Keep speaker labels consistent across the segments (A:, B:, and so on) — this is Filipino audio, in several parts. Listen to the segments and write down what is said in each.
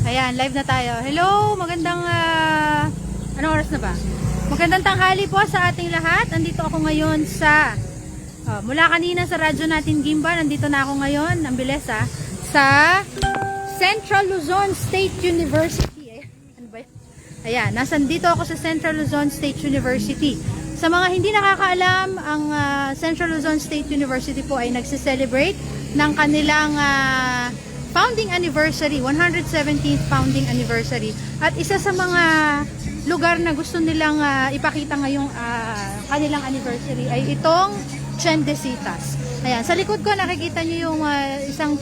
A: Ayan, live na tayo. Hello, magandang anong oras na ba? Magandang tanghali po sa ating lahat. Nandito ako ngayon sa mula kanina sa radyo natin Gimba, nandito na ako ngayon, ang bilis sa Central Luzon State University. Ano ba 'yan? Ayan, dito ako sa Central Luzon State University. Sa mga hindi nakakaalam, ang Central Luzon State University po ay nagse-celebrate ng kanilang founding anniversary, 117th founding anniversary. At isa sa mga lugar na gusto nilang ipakita ngayong kanilang anniversary ay itong Tiendesitas. Ayan, sa likod ko nakikita niyo yung isang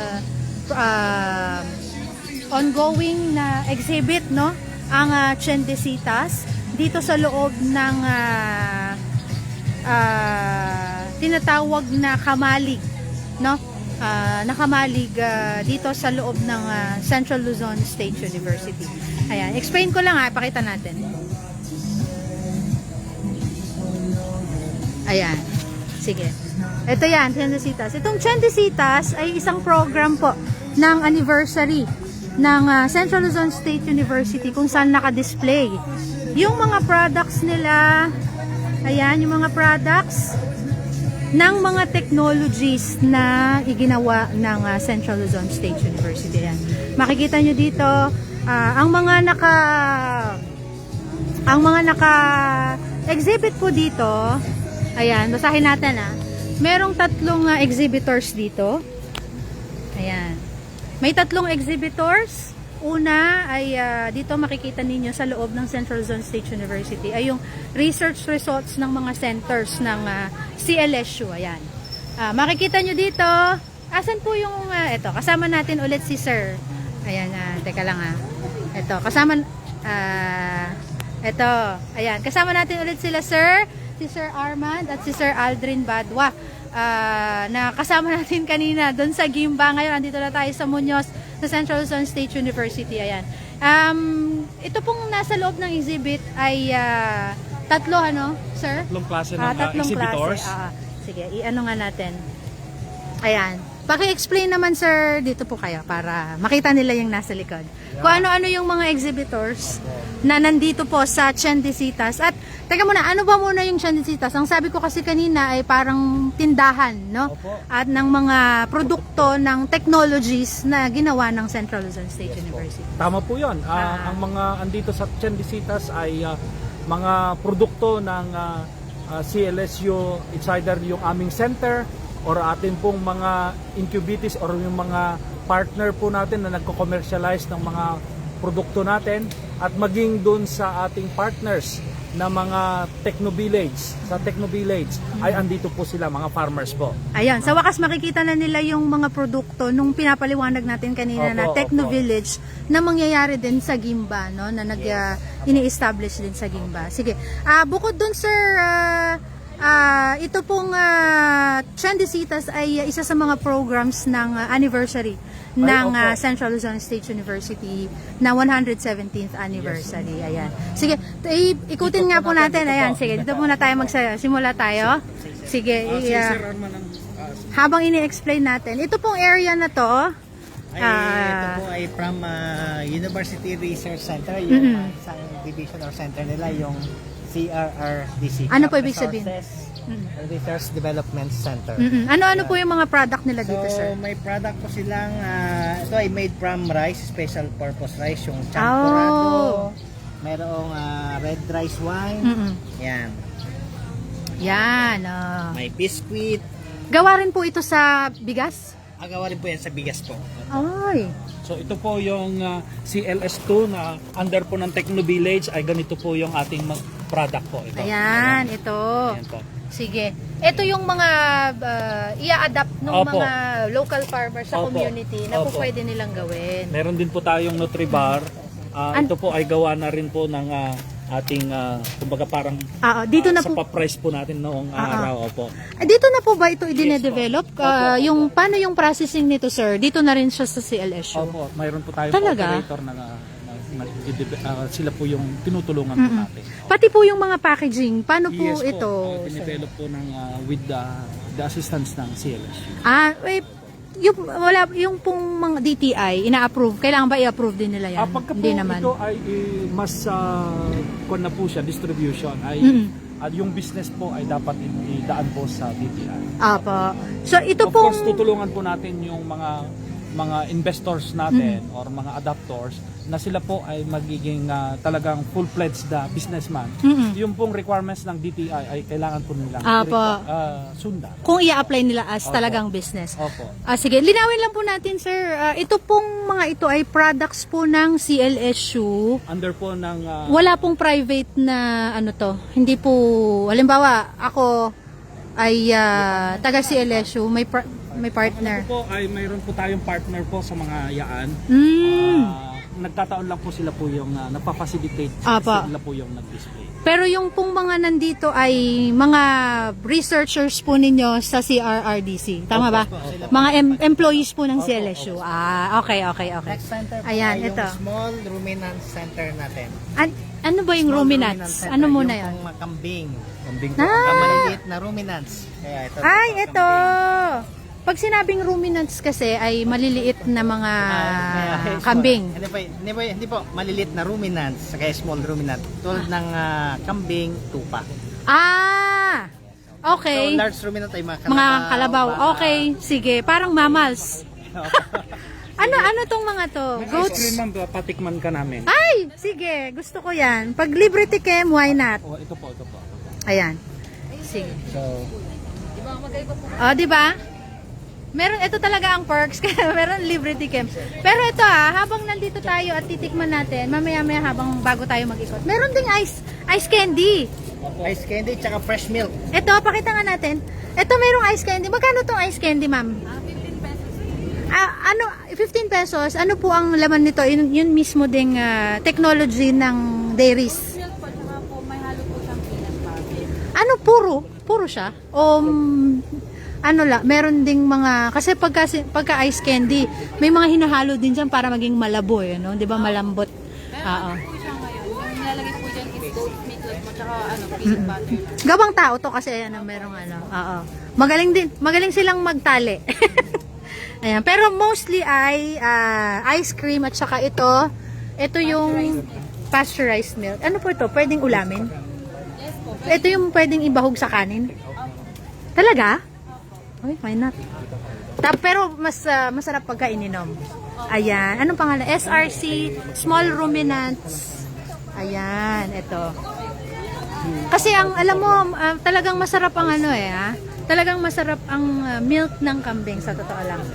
A: ongoing na exhibit, no? Ang Tiendesitas dito sa loob ng tinatawag na kamalig, no? Nakamalig dito sa loob ng Central Luzon State University. Ayan, explain ko lang pakita natin. Ayan. Sige. Ito yan, Tiendesitas. Itong Tiendesitas ay isang program po ng anniversary ng Central Luzon State University kung saan naka-display yung mga products nila. Ayan, yung mga products ng mga technologies na iginawa ng Central Luzon State University. Yan. Makikita nyo dito ang mga exhibit po dito. Ayan, basahin natin merong tatlong exhibitors dito. Ayan. May tatlong exhibitors. Una ay dito makikita ninyo sa loob ng Central Luzon State University ay yung research results ng mga centers ng CLSU. Ayan. Makikita nyo dito, asan po yung, ito, kasama natin ulit si Sir. Ayan, teka lang Ito, kasama, ito, ayan, kasama natin ulit sila Sir, si Sir Armand at si Sir Aldrin Badwa. Na kasama natin kanina doon sa Gimba. Ngayon, andito na tayo sa Muñoz, sa Central Luzon State University. Ayan. Ito pong nasa loob ng exhibit ay tatlo, sir?
B: Tatlong klase ng exhibitors.
A: Sige, i-ano nga natin. Ayan. Paki-explain naman, sir, dito po kayo para makita nila yung nasa likod. Yeah. Kung ano-ano yung mga exhibitors na nandito po sa Tiendesitas. At, teka muna, ano ba muna yung Tiendesitas? Ang sabi ko kasi kanina ay parang tindahan, no? Opo. At ng mga produkto ng technologies na ginawa ng Central Luzon State University.
B: Tama po yun. Ang mga andito sa Tiendesitas ay mga produkto ng CLSU. It's either yung aming center or atin pong mga incubatees or yung mga partner po natin na nagko-commercialize ng mga produkto natin at maging dun sa ating partners na mga Technovillage. Sa Technovillage ay andito po sila, mga farmers po.
A: Ayan, sa wakas makikita na nila yung mga produkto nung pinapaliwanag natin kanina na Technovillage na mangyayari din sa Gimba, no? Na ini-establish din sa Gimba. Sige, bukod dun sir, ito pong Tiendesitas ay isa sa mga programs ng anniversary ng Central Luzon State University na 117th anniversary. Ayan. Sige, ikutin nga po natin. Ayan, sige, dito muna tayo magsimula tayo. Sige, habang ini-explain natin. Ito pong area na to,
C: ito po ay from University Research Center, yung isang division or center nila, yung CRRDC.
A: Ano po ibig sabihin?
C: Research Development Center.
A: Ano-ano po yung mga product nila dito, sir?
C: So, may product po silang, ito ay made from rice, special purpose rice, yung champurrado, mayroong red rice wine, yan.
A: Yan.
C: May biscuit.
A: Gawa rin po ito sa bigas?
C: Gawa rin po yan sa bigas po.
A: Ay.
B: So ito po yung CLS2 na under po ng Technovillage ay ganito po yung ating product po. Ito.
A: Ayan, ito.
B: Ayan po.
A: Sige. Ito yung mga i-adapt ng mga local farmers sa community na po pwede nilang gawin.
B: Meron din po tayong Nutribar. Ito po ay gawa na rin po ng ating kumbaga parang
A: dito na
B: sa
A: po
B: pa-price po natin noong araw. Opo.
A: Dito na po ba ito i-develop? Yung paano yung processing nito, sir? Dito na rin siya sa CLSU.
B: Opo, mayroon po tayong
A: Talaga?
B: operator na sila po yung tinutulungan po natin.
A: Pati po yung mga packaging, paano po
B: Yes
A: ito?
B: po, dinevelop po ng with the assistance ng CLSU.
A: yung pong mga DTI, ina-approve, kailangan ba i-approve din nila yan?
B: Pagka po
A: Hindi naman.
B: ito ay mas kung na po siya, distribution, ay yung business po ay dapat idaan po sa DTI.
A: Apo. So, ito
B: Of course,
A: pong...
B: tutulungan po natin yung mga investors natin or mga adapters na sila po ay magiging talagang full-fledged na businessman. Yung pong requirements ng DTI ay kailangan po nilang sundan.
A: Kung i-apply nila as
B: Opo.
A: talagang business.
B: Opo.
A: Sige, linawin lang po natin, sir. Ito pong mga ito ay products po ng CLSU.
B: Under po ng
A: Wala pong private na ano to. Hindi po, halimbawa, ako ay taga CLSU, may partner.
B: po ay mayroon po tayong partner po sa mga yaan. Nagkataon lang po sila po yung napapacilitate
A: Apa.
B: sila po yung nag-display.
A: Pero yung pong mga nandito ay mga researchers po ninyo sa CRRDC. Tama ba? Mga employees po ng CLSU. Okay.
C: Next center po
A: Ayan,
C: ay yung
A: ito.
C: small ruminants center natin.
A: Ano ba yung
C: Small
A: ruminants?
C: center,
A: Ano muna
C: yung
A: yun?
C: pong makambing.
B: Kambing po.
C: Ang maliliit na ruminants. Kaya ito.
A: Ay,
C: ito.
A: ito! Pag sinabing ruminants kasi ay maliliit na mga kambing.
C: Hindi po, maliliit na ruminants, kaya small ruminant. Tulad ng kambing, tupa.
A: Okay.
C: So, large ruminant ay mga kalabaw.
A: Mga kalabaw. Okay, sige. Parang mammals. Ano tong mga to?
B: Ice cream
A: Goats?
B: ma'am, patikman ka namin.
A: Ay, sige. Gusto ko yan. Pag libre tikem, why not?
B: Ito po.
A: Ayan. Sige.
B: So,
A: Di ba? Meron, ito talaga ang perks, kaya meron libre tikem. Pero ito habang nandito tayo at titikman natin, mamaya-maya habang bago tayo mag-ikot, meron ding ice candy.
C: Ice candy, tsaka fresh milk.
A: Ito, pakita nga natin. Ito, merong ice candy. Magkano tong ice candy, ma'am? 15 pesos. Ano po ang laman nito? Yun mismo ding technology ng dairies.
D: Milk po, tsaka po may halo po siyang peanut butter.
A: Ano, puro siya? O meron ding mga, kasi pagka ice candy, may mga hinahalo din dyan para maging malabo, no? Di ba, malambot? Oo.
D: Po siya ngayon. Yung nilalagay po dyan is goat meat mo, tsaka peanut butter.
A: Gawang tao to kasi merong oo. Magaling silang magtali. Ayan, pero mostly ay ice cream at saka ito yung pasteurized milk. Ano po ito? Pwedeng ulamin?
D: Yes po.
A: Ito yung pwedeng ibahog sa kanin? Talaga? Ay, why not? Pero masarap pagka ininom. Ayan. Anong pangalan? SRC, Small Ruminants. Ayan, ito. Kasi alam mo, talagang masarap ang talagang masarap ang milk ng kambing sa totoo lang.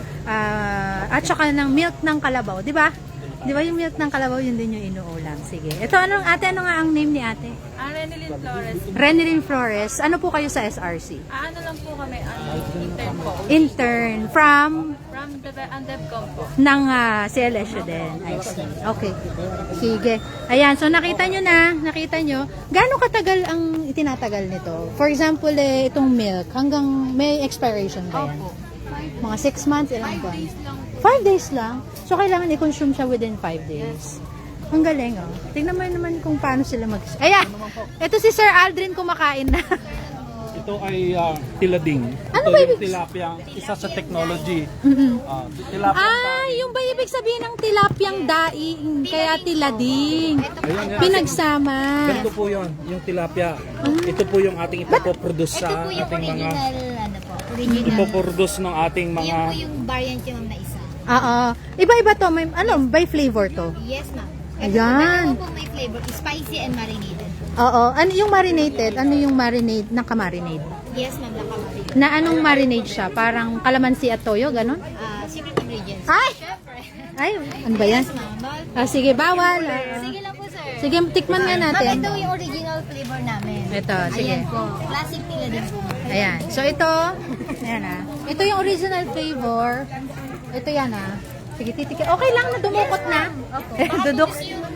A: At saka ng milk ng kalabaw, di ba? Di ba yung milk ng kalabaw, yun din yung inuulam. Sige. Ito, ano nga ang name ni ate?
D: Renilyn Flores.
A: Renilyn Flores. Ano po kayo sa SRC?
D: Ano lang po kami, intern po.
A: Intern from
D: From DevCom po.
A: ng CLSU din. I see. Okay. Sige. Ayan, so nakita nyo. Gaano katagal ang itinatagal nito? For example, itong milk, hanggang may expiration ba yan?
D: Opo.
A: Mga 6 months, ilang buwan?
D: Days lang po.
A: 5 days lang? So, kailangan i-consume siya within 5 days. Ang galing, oh. Tingnan mo naman kung paano sila Ayan! Ito si Sir Aldrin kumakain na.
B: ito ay tilading.
A: Ano
B: Ito
A: ba
B: yung
A: ibig-
B: tilapia, isa sa technology. Tilapia.
A: Yung ba ibig sabihin ng tilapyang daing, kaya tilading.
B: Ayan.
A: Pinagsama.
B: Ganito po yun, yung tilapia. Ito po yung ating ipoproduce sa ating mga ipoproduce ng ating mga
E: Yan po yung variant yung na isa.
A: Oo. Iba-iba to. May, by flavor to?
E: Yes, ma'am.
A: Ayan.
E: Dalawa po may flavor, spicy and marinated.
A: Oo. Ano yung marinated? Ano yung marinade? Naka-marinade?
E: Yes, ma'am, nakamarinate.
A: Na anong marinade siya? Parang kalamansi at toyo, ganon?
E: Secret ingredients.
A: Ay!
E: Syempre.
A: Ay, ano ba yan?
E: Yes, ma'am. Bawal.
A: Sige, bawal.
E: Sige lang po, sir.
A: Sige, tikman nga
E: Ma'am,
A: natin.
E: ito yung original flavor namin.
A: Ito, sige.
E: Ayan po. Classic nila din po.
A: Ayan. So, ito. Ayan ito yung original flavor. Ito yan Sige, titikin. Okay lang na dumukot na. Duduk.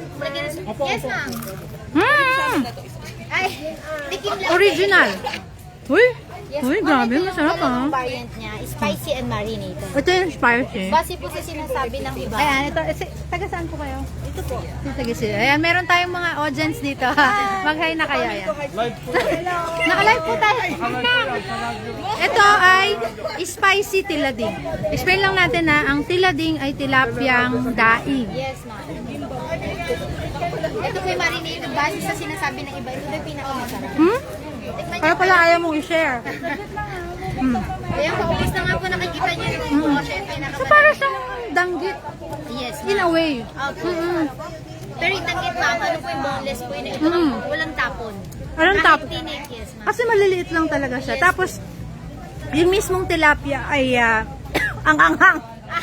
E: Yes, ma'am.
A: Mm!
E: Ay, tikim lang.
A: Original. Uy!
E: Yes,
A: Uy,
E: po.
A: grabe,
E: Ito yung
A: masarap,
E: dalawang
A: ah.
E: variant niya, spicy and marinated.
A: Ito yung spicy.
E: Base po sa sinasabi ng iba.
A: Ayan, ito. Taga saan po kayo?
E: Ito po.
A: Taga sila. Ayan, meron tayong mga audience dito. Mag-hi na kayo. Ayan.
B: Live po yan.
A: Naka-live po tayo. Ito ay spicy tilading. Explain lang natin na ang tilading ay tilapiang daing.
E: Yes, ma'am. Ito po yung marinated base sa sinasabi ng iba. Ito yung pinakamasarap.
A: Hmm?
E: Tikman
A: Kaya
E: niyo
A: pala ayaw mong i-share.
E: Ayan, paubos na nga po nakikita niyo yung po. Siya yung
A: So
E: pinakamasarap.
A: para siyang danggit
E: Yes,
A: in a way.
E: Opo. Pero yung tanggit, ma'am, ano po yung boneless po yun? Ito walang tapon.
A: Walang
E: Kahit
A: tapon.
E: tinik, yes, ma'am.
A: Kasi maliliit lang talaga siya. Tapos, yung mismong tilapia ay ang anghang.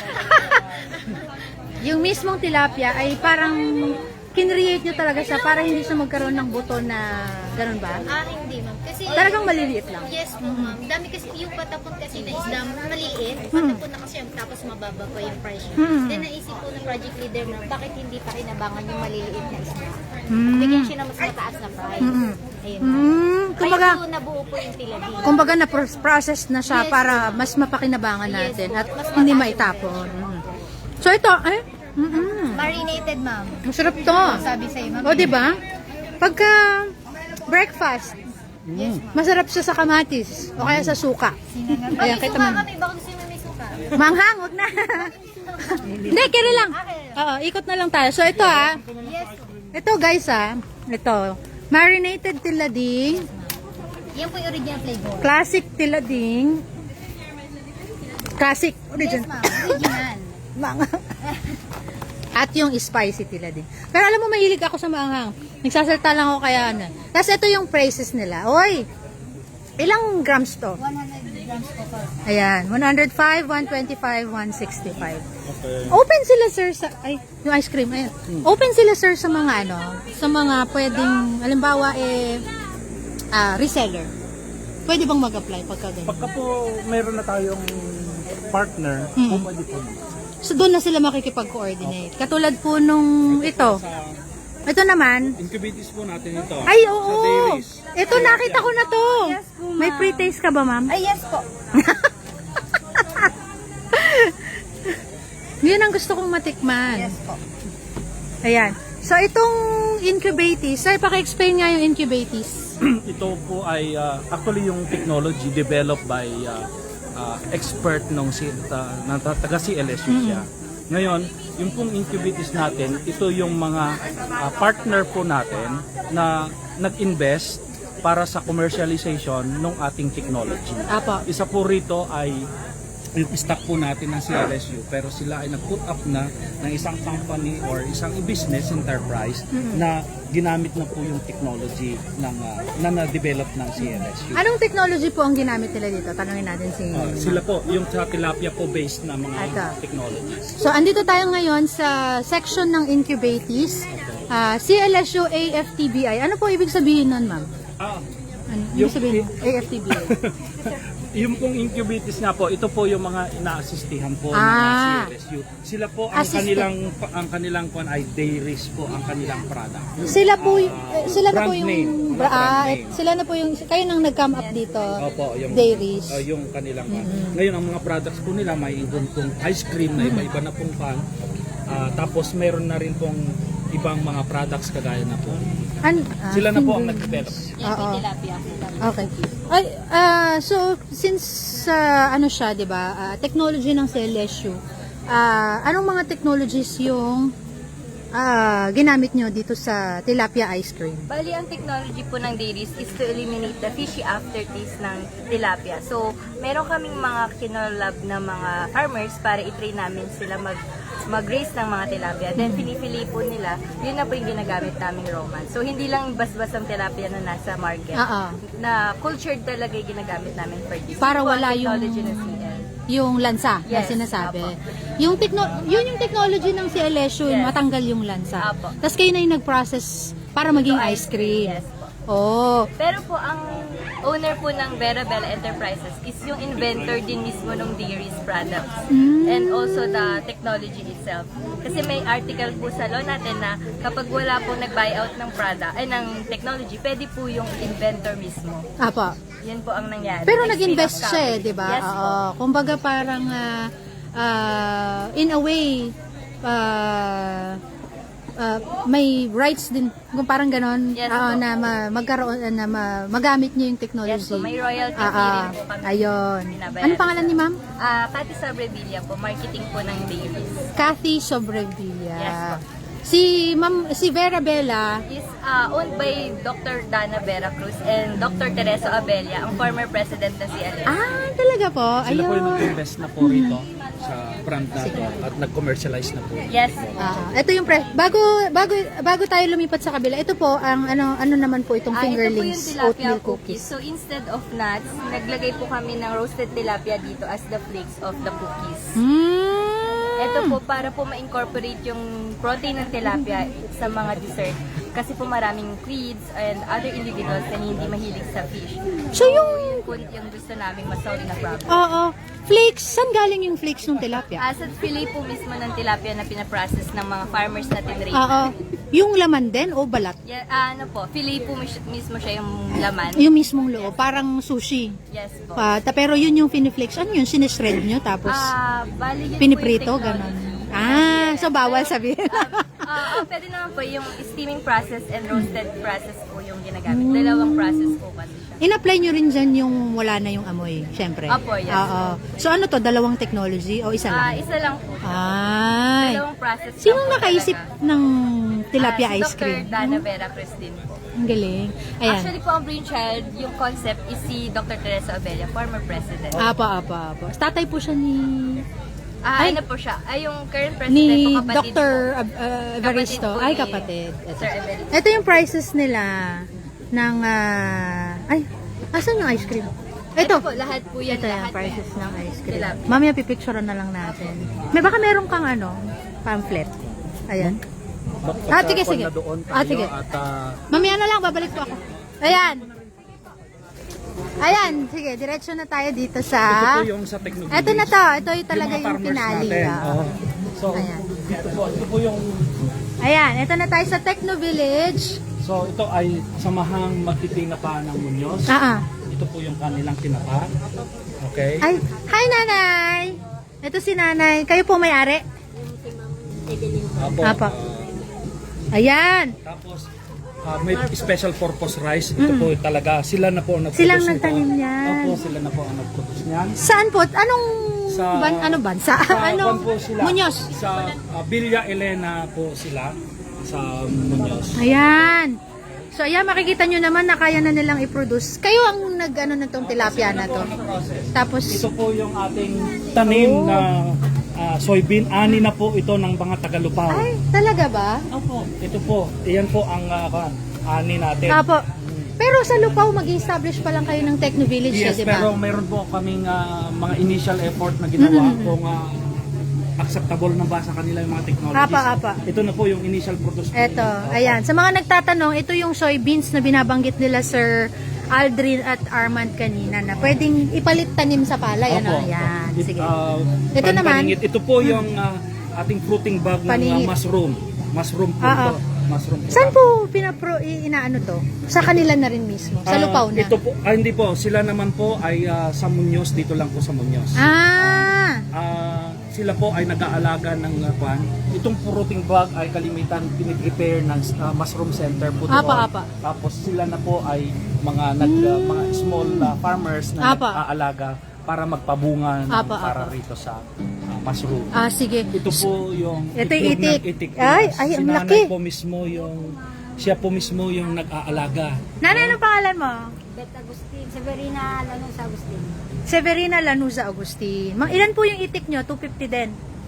A: Yung mismong tilapia ay parang kinreate nyo talaga siya para hindi siya magkaroon ng buto na ganun ba?
E: Hindi, ma'am. Kasi,
A: Talagang maliliit lang.
E: yes po, ma'am. Dami kasi, yung patapon kasi na isda, maliit. Patapon na kasi, tapos mababa pa yung price niya. Then, naisip po ng project leader na, bakit hindi pa kinabangan yung maliliit na isda? Bigyan siya ng mas mataas na price. Ayun.
A: Kumbaga,
E: Kaya po nabuo po yung tilapia.
A: kumbaga na-process na siya para mas mapakinabangan natin at hindi maitapon. So ito,
E: Marinated, ma'am.
A: masarap to.
E: Sabi sa'yo, ma'am.
A: O, di ba? Pagka breakfast, masarap siya sa kamatis o kaya sa suka. Ayan,
E: May
A: kita
E: suka
A: mo.
E: kami, baka gusto mo may suka.
A: Manghang, wag na. Hindi, kaya lang. Oo, ikot na lang tayo. So ito
E: Yes.
A: ito guys ito. Marinated tilading,
E: Yan po yung original flavor.
A: classic tilading, classic,
E: Yes,
A: original.
E: ma'am. Original.
A: Mga. At yung spicy tilading. Pero alam mo, mahilig ako sa maanghang. Nagsasalta lang ako kaya ano. Tapos ito yung prices nila. Oy, ilang grams to?
E: 100 grams po po.
A: Ayan, 105, 125, 165.
B: Okay.
A: Open sila sir sa yung ice cream ayan. Open sila sir sa mga sa mga pwedeng halimbawa reseller. Pwede bang mag-apply pagka ganyan?
B: Pagka po meron na tayong partner, po pwede po.
A: So doon na sila makikipag-coordinate. Katulad po nung ito. Ito naman.
B: Incubates po natin ito.
A: Ay,
B: Sa
A: oo.
B: dairies.
A: Ito nakita ko na to. May pre-taste ka ba, ma'am?
E: Ay, yes po.
A: Yun ang gusto kong matikman.
E: Yes po.
A: Ayan. So itong incubatis, sir, paki-explain nga yung incubatis.
B: Ito po ay actually yung technology developed by expert ng taga CLSU siya. Ngayon, yung pong incubates natin, ito yung mga partner po natin na nag-invest para sa commercialization ng ating technology.
A: Apo.
B: Isa po rito ay yung stock po natin ng CLSU, pero sila ay nag-put up na ng isang company or isang business enterprise na ginamit na po yung technology ng na na-develop ng CLSU.
A: Anong technology po ang ginamit nila dito? Tanungin natin si
B: Sila po, yung sa tilapia po based na mga
A: Ito.
B: technologies.
A: So, andito tayo ngayon sa section ng incubatis. CLSU AFTBI. Ano po ibig sabihin nun, ma'am? Ano ibig sabihin nun? AFTBI?
B: Yung pong incubates nga po, ito po yung mga ina-assistihan po ng CLSU. Sila po ang kanilang ay dairies po ang kanilang product.
A: Sila po sila na po
B: Brand
A: yung
B: name. Brand name.
A: sila na po yung kayo nang nag-come up dito.
B: Opo, yung
A: Dairies.
B: yung kanilang Ngayon ang mga products po nila may ibang pong ice cream na iba-iba na pong pan. Tapos meron na rin pong ibang mga products kagaya na po. Sila na po ang nag-develop.
E: Yan po yung tilapia.
A: Okay. Ay, so since ano siya, 'di ba? Technology ng CLSU. Anong mga technologies yung ginamit nyo dito sa tilapia ice cream?
F: Bali, ang technology po ng dairies is to eliminate the fishy aftertaste ng tilapia. So, meron kaming mga kinolab na mga farmers para i-train namin sila mag-raise ng mga tilapia. Then, pinipili po nila, yun na po yung ginagamit naming roman. So, hindi lang bas-bas ang tilapia na nasa market. Na cultured talaga yung ginagamit namin for this.
A: Para
F: Yun po ang
A: wala yung
F: technology ng CL.
A: yung lansa na
F: Yes,
A: sinasabi.
F: apo.
A: Yun yung technology ng CLSU,
F: Yes.
A: matanggal yung lansa.
F: Apo.
A: Tapos kayo na yung nag-process para maging ice cream.
F: Yes po.
A: Oh.
F: Pero po, ang owner po ng Vera Bella Enterprises is yung inventor din mismo ng dairies products. And also the technology itself. Kasi may article po sa law natin na kapag wala pong nag-buyout ng product, ng technology, pwede po yung inventor mismo.
A: Apa.
F: Yun po ang nangyari.
A: Pero
F: Next
A: nag-invest
F: week of
A: siya,
F: coverage.
A: di ba?
F: Yes po.
A: Oo. Kumbaga parang in a way may rights din kung parang ganon
F: Yes po.
A: na magkaroon na magamit niyo yung
F: Yes
A: technology.
F: po, may royalty fee rin po kami.
A: Ayun.
F: Binabayaran
A: Ano pangalan ni Ma'am?
F: Cathy Sobrevilla po, marketing po ng Dailies.
A: Kathy Sobrevilla.
F: Yes po.
A: Si Vera Bella.
F: Is owned by Dr. Dana Vera Cruz and Dr. Teresa Abella, ang former president ng CLS.
A: Talaga po.
B: Sila po yung
A: Ayun.
B: nag-invest na po rito sa brand natin at nag-commercialize na po.
F: Yes.
A: Ito yung bago tayo lumipat sa kabila. Ito po ang ano naman po itong
F: Ito po yung
A: fingerlings
F: tilapia
A: oatmeal
F: cookies.
A: cookies.
F: So instead of nuts, naglagay po kami ng roasted tilapia dito as the flakes of the cookies. Ito po para po ma-incorporate yung protein ng tilapia sa mga dessert. Kasi po maraming kids and other individuals na hindi mahilig sa fish.
A: So yung
F: Yung gusto namin ma-solve na problem.
A: Oo. Flakes, saan galing yung flakes ng tilapia?
F: As at fillet po mismo ng tilapia na pinaprocess ng mga farmers na tinrate.
A: Oo. Yung laman din o balat?
F: Yeah, ano po, fillet po mismo siya yung laman.
A: Yung mismong loob, parang sushi.
F: Yes po.
A: Pero yun yung finiflakes. Ano yun? Sinishred nyo tapos
F: Bali yun
A: piniprito,
F: po yung technology.
A: ganon. So bawal sabihin.
F: Pwede naman po yung steaming process and roasted process po yung ginagamit. Dalawang process po kasi siya.
A: In-apply nyo rin dyan yung wala na yung amoy, syempre.
F: Opo, yes.
A: Oo. So ano to, dalawang technology o isa lang?
F: Isa lang po.
A: Ay.
F: Dalawang process.
A: Sinong
F: lang po
A: nakaisip
F: talaga.
A: ng tilapia
F: Si
A: ice cream?
F: Dr. Dana Vera Cruz din po.
A: Ang galing. Ayan.
F: Actually po ang brainchild, yung concept is si Dr. Teresa Abella, former president.
A: Apa. Tatay po siya ni
F: Ano po siya? Yung current president
A: ni
F: po, kapatid
A: Dr.
F: po.
A: Evaristo.
F: Kapatid po
A: Ay,
F: ni
A: kapatid.
F: Sir Evaristo.
A: Ito yung prices nila ng asan yung ice cream?
F: Ito
A: Ito.
F: po, lahat po yan.
A: Ito yung
F: lahat
A: prices ng ice cream.
F: Tilapia.
A: Mamaya pipicturean na lang natin. Baka meron kang pamphlet. Ayan. Sige. Sige.
B: At
A: Mamaya na lang, babalik po ako. Ayan, sige, diretso na tayo dito
B: ito
A: sa...
B: po yung sa technology.
A: Ito na to, ito yung talaga yung
B: farmers
A: pinali.
B: natin. Oo. So,
A: Ayan.
B: ito po yung
A: Ayan, ito na tayo sa Techno Village.
B: so ito ay samahang magtitinapa ng Muñoz. Ito po yung kanilang tinapa. Okay?
A: Ay, hi nanay! Ito si nanay. Kayo po may-ari?
B: Apo.
A: Apo. Ayan.
B: Tapos may special purpose rice. Ito po talaga sila na po ang nagproduce.
A: Silang
B: nito.
A: nagtanim niyan.
B: Opo, sila na po ang nagproduce niyan.
A: Saan po? Anong
B: Sa-
A: bansa? Anong
B: Kwan po sila.
A: Muñoz?
B: Sa Villa Elena po sila sa Muñoz.
A: Ayan. So ayan, makikita nyo naman na kaya na nilang i-produce. Kayo ang nag-ano na tong tilapia na to. Tapos,
B: Ito po yung ating tanim na soybean. Ani na po ito ng mga Tagalupaw.
A: ay, talaga ba?
B: Opo. Ito po. Iyan po ang ani natin.
A: Apo. Pero sa Lupaw, mag-establish pa lang kayo ng Techno Village,
B: Yes,
A: di ba?
B: pero mayroon po kaming mga initial effort na ginawa kung acceptable na ba sa kanila yung mga technologies.
A: Apa.
B: Ito na po yung initial produce.
A: Eto, ayan. Sa mga nagtatanong, ito yung soybeans na binabanggit nila Sir Aldrin at Armand kanina na pwedeng ipalit tanim sa palay. Ano? Ayan, sige. Ito naman.
B: Ito po yung ating fruiting bag ng
A: Paningit.
B: mushroom. Mushroom po ito. Mushroom po.
A: Saan po inaano to? Sa kanila na rin mismo? Sa Lupaw na?
B: Ito po, hindi po. Sila naman po ay sa Muñoz. Dito lang po sa Muñoz. Sila po ay nag-aalaga ng kwan. Itong fruiting bag ay kalimitan piniprepare ng mushroom center po doon.
A: Apa.
B: Tapos sila na po ay mga mga small farmers na nag-aalaga para magpabunga ng para rito sa mushroom.
A: Sige.
B: Ito po yung
A: Ito yung
B: itlog ng
A: itik.
B: itik.
A: Ay,
B: Si
A: ang
B: nanay
A: laki.
B: po mismo siya po mismo yung nag-aalaga.
A: Nanay, anong pangalan mo?
E: Bet Agustin, Severina Lanos Agustin.
A: Severina Lanuza Agustin. Ilan po yung itik nyo? 250 din?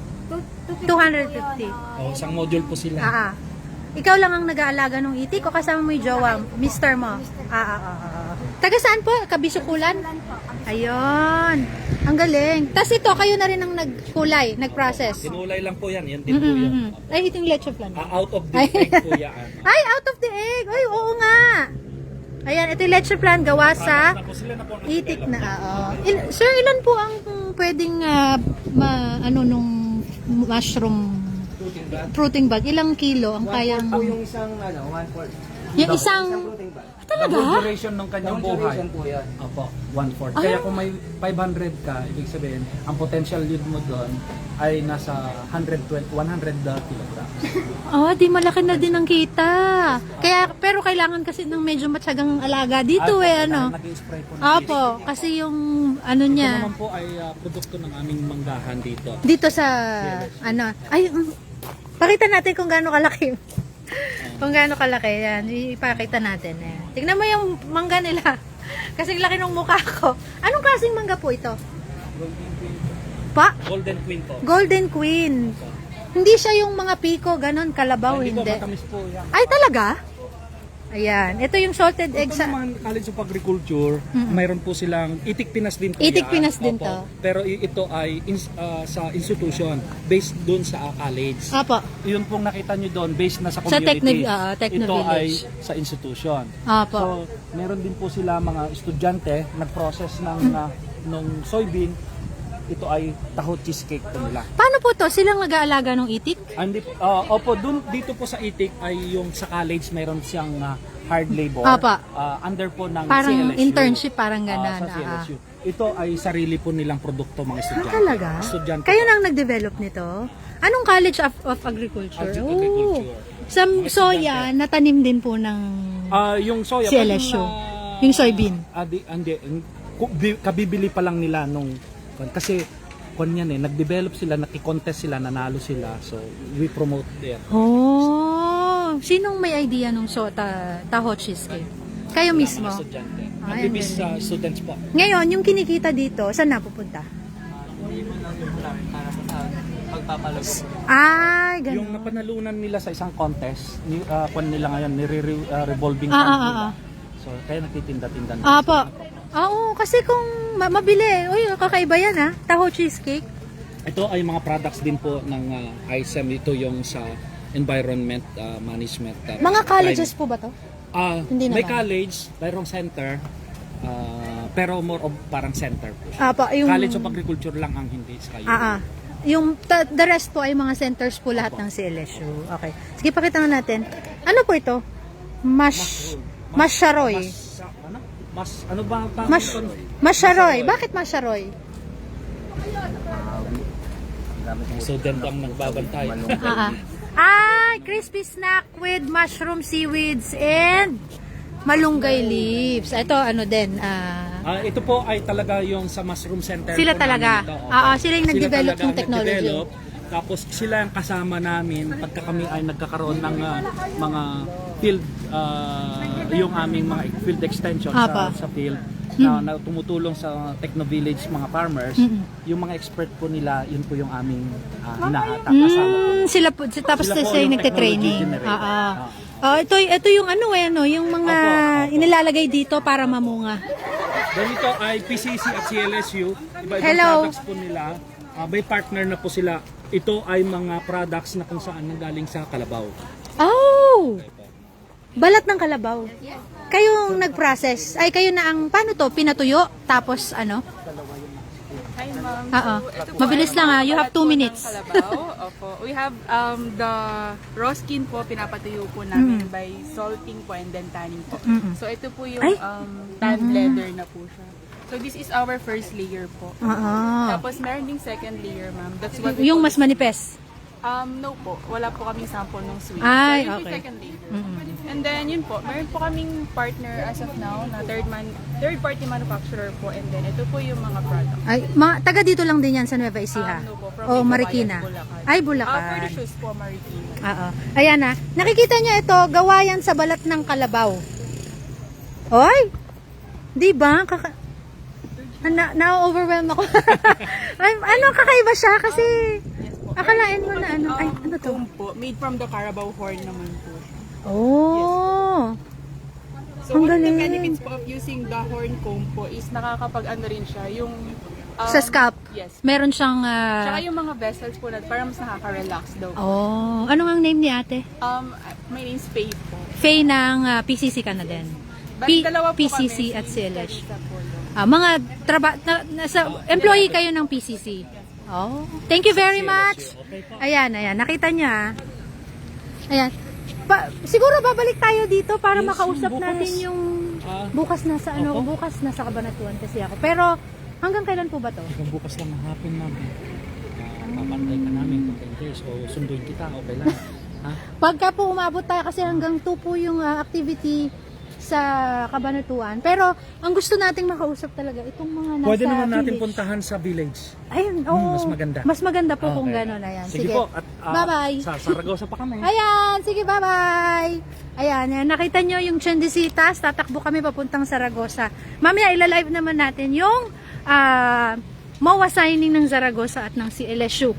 A: 250.
B: Isang module po sila.
A: Ikaw lang ang nag-aalaga ng itik o kasama mo yung jowa, mister mo? Taga saan po? Kabisukulan? Ayun. Ang galing. Tapos ito, kayo na rin ang nagkulay, nag-process.
B: Tinulay lang po yan. Yan din po yan.
A: Ay, ito yung leche flan.
B: Out of the egg po yan.
A: Ay, out of the egg. Ay, oo nga. Ayan, ito yung leche flan gawa sa
B: Sila na po
A: itik na. Sir, ilan po ang pwedeng nung mushroom fruiting bag? Ilang kilo ang kayang...
C: Po yung isang 1/4.
A: Yung isang...
B: The whole duration ng kanyang buhay. Opo, 1/4. Kaya kung may 500 ka, ibig sabihin, ang potential yield mo doon ay nasa 100 kilograms.
A: Oh, di malaki na din ang kita. Kaya, pero kailangan kasi ng medyo matyagang alaga dito ano.
B: Nag-spray po ng
A: Opo, kasi yung ano
B: Ito
A: niya,
B: naman po ay produkto ng aming manggahan dito.
A: dito sa, ano, ay, pakita natin kung gaano kalaki. Kung gaano kalaki, yan, ipakita natin. Ayan. Tignan mo yung mangga nila. Kasing laki ng mukha ko. Anong klaseng mangga po ito? Pa?
B: Golden Queen po.
A: Golden Queen. Hindi siya yung mga piko, ganon, kalabaw,
B: Hindi po,
A: hindi.
B: matamis po yan.
A: Ay, talaga? Ayan. Ito yung salted egg
B: Ito
A: sa...
B: naman, College of Agriculture, mayroon po silang Itik Pinas din po
A: Itik
B: yan.
A: Pinas din
B: Opo.
A: to.
B: Pero ito ay sa institution, based doon sa college.
A: Apo.
B: Yun pong nakita nyo doon, based na sa
A: Sa
B: community.
A: Techno
B: Ito ay
A: Village.
B: sa institution.
A: Apo.
B: So, meron din po sila mga estudyante, nag-process ng nung soybean. Ito ay taho cheesecake po nila.
A: Paano po to? Silang nag-aalaga ng itik?
B: Hindi, opo, dito po sa Itik ay yung sa college mayroon siyang hard labor.
A: Apa.
B: Under po ng
A: Parang
B: CLSU.
A: internship, parang
B: Sa
A: ganan.
B: CLSU. Ito ay sarili po nilang produkto mga estudyante.
A: Talaga?
B: Estudyante
A: Kayo
B: po.
A: nang nag-develop nito? Anong College of Agriculture?
B: Agriculture.
A: Sa soya, natanim din po ng
B: Yung soya.
A: CLSU. Yung soybean.
B: Hindi. Kabibili pa lang nila nung kasi yan nag-develop sila, naki-contest sila, nanalo sila. So, we promote there.
A: Oh, sinong may idea nung taho cheesecake? Kayo mismo?
B: Mga estudyante.
A: Ay, ang
B: Activist students po.
A: Ngayon, yung kinikita dito, saan napupunta? Ay, ganun.
B: Yung napanalunan nila sa isang contest, nila ngayon, revolving
A: Ah,
B: fund
A: ah,
B: nila.
A: ah.
B: So, kaya nagtitinda-tinda na.
A: Apo. Oo, kasi kung mabili, uy, kakaiba yan ha, taho cheesecake.
B: Ito ay mga products din po ng ISEM. Ito yung sa environment management.
A: Mga colleges po ba to? Hindi
B: May
A: naman.
B: college, mayroong center, pero more of parang center po.
A: Apo, yung...
B: College of Agriculture lang ang hindi sa kayo.
A: Yung the rest po ay mga centers po lahat ng CLSU. Okay. Sige, pakita nga natin. Ano po ito? Masharoy.
B: Ano ba ang tawag ito?
A: Masharoy. Bakit masharoy?
B: Student ang nagbabantay.
A: Crispy snack with mushroom seaweeds and malunggay leaves. Ito ano din,
B: Ito po ay talaga yung sa mushroom center.
A: sila
B: po
A: talaga.
B: namin ito.
A: Sila yung nag-develop
B: talaga
A: ng
B: ang
A: technology.
B: nag-develop. Tapos sila ang kasama namin pagka kami ay nagkakaroon ng mga field, yung aming mga field extension sa field. Na tumutulong sa Techno Village mga farmers, yung mga expert po nila, yun po yung aming kasama po.
A: Sila po, tapos
B: Sila po
A: sila yung
B: yung
A: nagte-training.
B: technology generator.
A: Ito yung yung mga inilalagay dito para mamunga.
B: Then ito ay PCC at CLSU, iba-ibang
A: Hello.
B: products po nila. May partner na po sila. Ito ay mga products na kung saan nanggaling sa Kalabaw.
A: Oh! Balat ng kalabaw. Kayo nag-process. Ay, kayo na ang, paano to? Pinatuyo? Tapos ano?
D: Hi ma'am.
A: Oo.
D: So, ito po
A: Mabilis
D: ay
A: lang,
D: mga
A: You have
D: balat
A: 2
D: po ng
A: minutes.
D: kalabaw. Opo. We have the raw skin po, pinapatuyo po namin by salting po and then tanning po. So ito po yung
A: Ay.
D: tan leather na po siya. So this is our first layer po.
A: Oo.
D: Tapos meron ding second layer ma'am. That's what we
A: Yung
D: call
A: mas manipes.
D: No po, wala po kaming sample ng sweet.
A: Ay,
D: so, yun
A: okay.
D: yung second layer. And then, yun po, meron po kaming partner as of now na third-party manufacturer po. And then, ito po yung mga products.
A: Ay, taga dito lang din yan sa Nueva Ecija.
D: No po, from
A: O
D: Ilobayan,
A: Marikina.
D: Bulacan.
A: Ay,
D: For the
A: Bulacan.
D: shoes po, Marikina.
A: Oo. Ayan na. Nakikita niyo ito, gawa yan sa balat ng kalabaw. Oy! Di ba? Na-overwhelm ako. Kakaiba siya kasi akalain mo na ano. Ay, ano to?
D: Comb po, made from the Carabao horn naman po.
A: Oh!
D: So,
A: Ang
D: one of the
A: galing.
D: benefits po of using the horn comb po is nakakapag-ano rin siya, yung...
A: Sa scalp?
D: Yes.
A: Meron siyang...
D: Tsaka yung mga vessels po na parang mas nakaka-relax daw.
A: Oh, ano ang name ni ate?
D: My name's Faye po.
A: Faye ng PCC ka na din.
D: Bali, dalawa po
A: PCC
D: kami,
A: at
D: si
A: CLS.
D: Teresa po, no?
A: Mga employee kayo ng PCC. Oh, thank you very much. Ayan, nakita niya. Ayan. Siguro babalik tayo dito para
B: Yes,
A: makausap
B: bukas.
A: natin yung
B: Ah,
A: bukas nasa ano,
B: Opo.
A: bukas nasa Cabanatuan kasi ako. Pero hanggang kailan po ba to?
B: Hanggang bukas lang ang hapon namin. Papantay ka namin kung hindi. So, sunduin kita. Okay lang. Ha?
A: Pagka po umabot tayo kasi hanggang 2 po yung activity sa Cabanatuan. Pero ang gusto nating makausap talaga itong mga nasa
B: Pwede naman natin
A: village.
B: puntahan sa village.
A: Ayun, oo.
B: mas maganda.
A: Mas maganda po kung
B: Okay.
A: gano'n. Ayan.
B: Sige, po. At
A: Bye-bye.
B: Sa Saragosa pa kami.
A: Ayan, sige, bye-bye. Ayan, yan. Nakita nyo yung Chendesitas, tatakbo kami papuntang Zaragoza. Mamaya ilalive naman natin yung MOA signing ng Zaragoza at ng CLSU.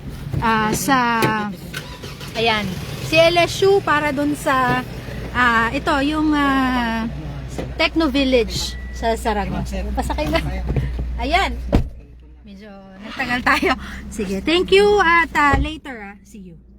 A: Ayan, CLSU para dun sa, ito, yung Techno Village sa Zaragoza. Pasakay na. Ayan. Medyo nagtagal tayo. Sige, thank you at later. See you.